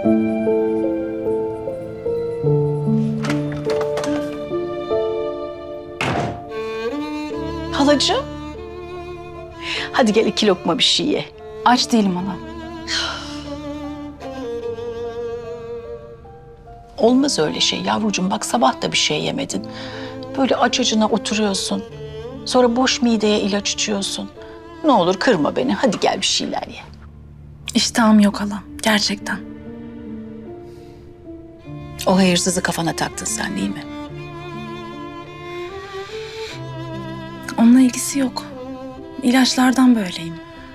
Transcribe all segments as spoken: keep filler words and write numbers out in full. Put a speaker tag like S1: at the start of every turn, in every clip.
S1: Halacığım. Hadi gel iki lokma bir şey ye.
S2: Aç değilim hala.
S1: Olmaz öyle şey yavrucuğum. Bak sabah da bir şey yemedin. Böyle aç acına oturuyorsun. Sonra boş mideye ilaç içiyorsun. Ne olur kırma beni. Hadi gel bir şeyler ye.
S2: İştahım yok hala. Gerçekten.
S1: O hayırsızı kafana taktın sen değil mi?
S2: Onunla ilgisi yok. İlaçlardan böyleyim.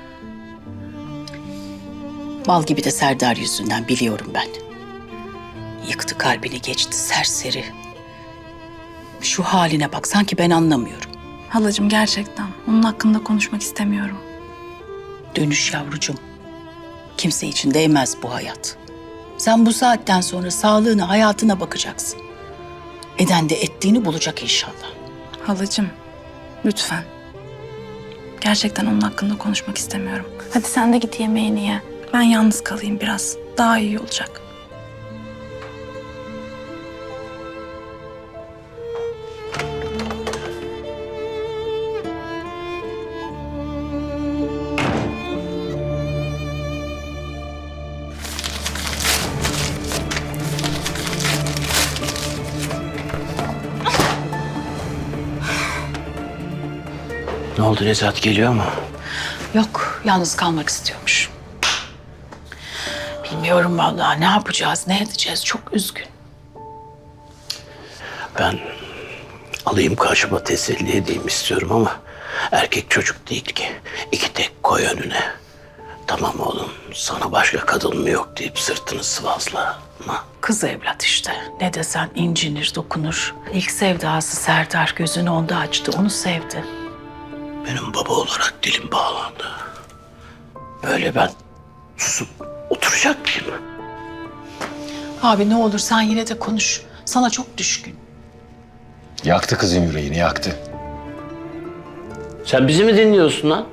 S1: Mal gibi de Serdar yüzünden biliyorum ben. Yıktı kalbini geçti serseri. Şu haline bak sanki ben anlamıyorum.
S2: Halacığım gerçekten. Onun hakkında konuşmak istemiyorum.
S1: Dönüş yavrucuğum. Kimse için değmez bu hayat. Sen bu saatten sonra sağlığına, hayatına bakacaksın. Eden de ettiğini bulacak inşallah.
S2: Halacığım, lütfen. Gerçekten onun hakkında konuşmak istemiyorum. Hadi sen de git yemeğini ye. Ben yalnız kalayım biraz. Daha iyi olacak.
S3: Ne oldu, Nezahat geliyor mu?
S1: Yok, yalnız kalmak istiyormuş. Bilmiyorum vallahi ne yapacağız, ne edeceğiz. Çok üzgün.
S3: Ben alayım karşıma teselli edeyim istiyorum ama erkek çocuk değil ki. İki tek koy önüne. Tamam oğlum, sana başka kadın mı yok deyip sırtını sıvazla. Ama
S1: Kız evlat işte. Ne desen incinir, dokunur. İlk sevdası Serdar gözünü onda açtı, onu sevdi.
S3: benim baba olarak dilim bağlandı. Böyle ben susup oturacak mıyım?
S1: Abi ne olur sen yine de konuş. Sana çok düşkün.
S4: Yaktı kızın yüreğini, yaktı.
S3: Sen bizi mi dinliyorsun lan?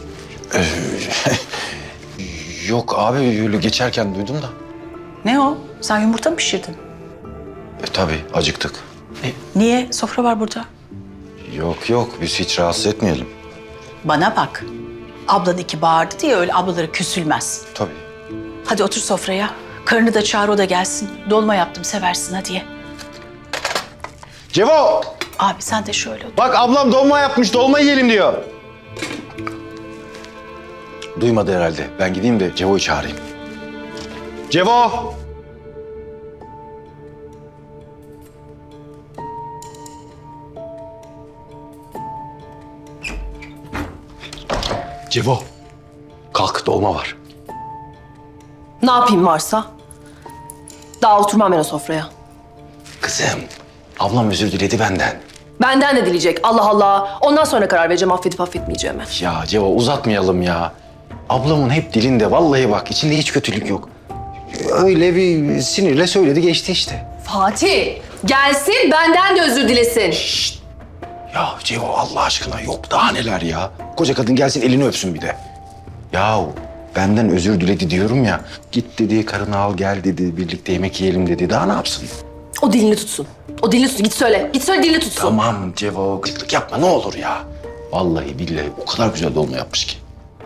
S4: Yok abi, öyle geçerken duydum da.
S1: Ne o? Sen yumurta mı pişirdin?
S4: E tabii, acıktık.
S1: Niye? Sofra var burada.
S4: Yok yok, biz hiç rahatsız etmeyelim.
S1: Bana bak. Ablan iki bağırdı diye öyle ablaları küsülmez.
S4: Tabii.
S1: Hadi otur sofraya. Karını da çağır o da gelsin. Dolma yaptım seversin hadi ye.
S4: Cevo!
S1: Abi sen de şöyle otur.
S4: Bak ablam dolma yapmış, dolma yiyelim diyor. Duymadı herhalde. Ben gideyim de Cevo'yu çağırayım. Cevo! Cevo, kalk dolma var.
S5: Ne yapayım varsa? Daha oturmam ben o sofraya.
S4: Kızım, ablam özür diledi benden.
S5: Benden de dileyecek. Allah Allah. Ondan sonra karar vereceğim affedip affetmeyeceğime.
S4: Ya Cevo uzatmayalım ya. Ablamın hep dilinde vallahi bak içinde hiç kötülük yok. Öyle bir sinirle söyledi geçti işte.
S5: Fatih, gelsin benden de özür dilesin.
S4: Ya Cevo Allah aşkına yok daha neler ya. Koca kadın gelsin elini öpsün bir de. Ya benden özür diledi diyorum ya. Git dedi karını al gel dedi birlikte yemek yiyelim dedi. Daha ne yapsın?
S5: O dilini tutsun. O dilini tutsun. Git söyle. Git söyle dilini tutsun.
S4: Tamam Cevo gıcıklık yapma ne olur ya. Vallahi billahi o kadar güzel dolma yapmış ki.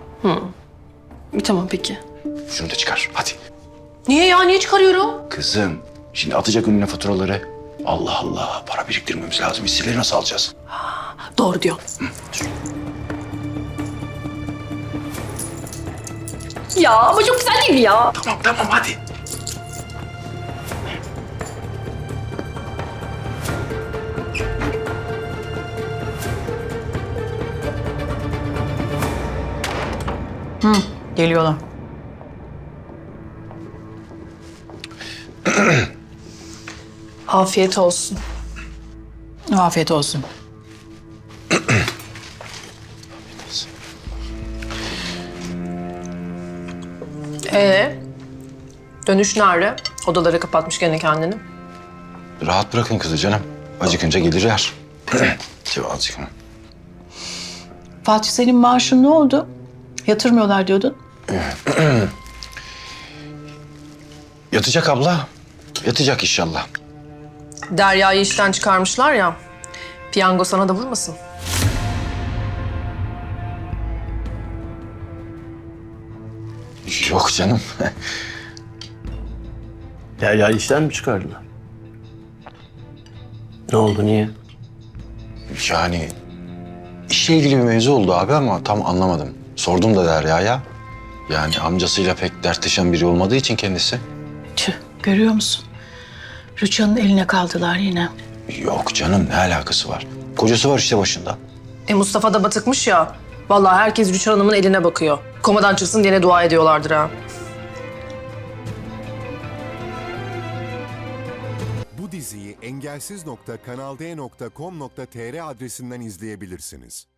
S5: Tamam peki.
S4: Şunu da çıkar hadi.
S5: Niye ya? Niye çıkarıyorum?
S4: Kızım şimdi atacak önüne faturaları. Allah Allah para biriktirmemiz lazım. Hisseleri nasıl alacağız?
S5: Doğru diyor. Ya ama çok güzel değil mi ya?
S4: Tamam tamam hadi.
S1: Geliyorlar.
S5: Afiyet olsun.
S1: Afiyet olsun.
S5: Ee, dönüş nerede? Odaları kapatmış gene kendini.
S4: Rahat bırakın kızı canım. Acıkınca gelir yer. Cevo azıcık.
S1: Fatih senin maaşın ne oldu? Yatırmıyorlar diyordun.
S4: Yatacak abla. Yatacak inşallah.
S5: Derya'yı işten çıkarmışlar ya. Piyango sana da vurmasın.
S4: Yok canım.
S3: Derya işten mi çıkardılar? Ne oldu, niye?
S4: Yani işle ilgili bir mevzu oldu abi ama tam anlamadım. Sordum da Derya'ya. Yani amcasıyla pek dertleşen biri olmadığı için kendisi.
S1: Tüh, görüyor musun? Rüçhan'ın eline kaldılar yine.
S4: Yok canım, ne alakası var? Kocası var işte başında.
S5: E Mustafa da batıkmış ya. Vallahi herkes Rüçhan Hanım'ın eline bakıyor. Komadan çıksın diye ne dua ediyorlardır ha.
S6: Bu diziyi engelsiz nokta kanal d nokta com nokta tr adresinden izleyebilirsiniz.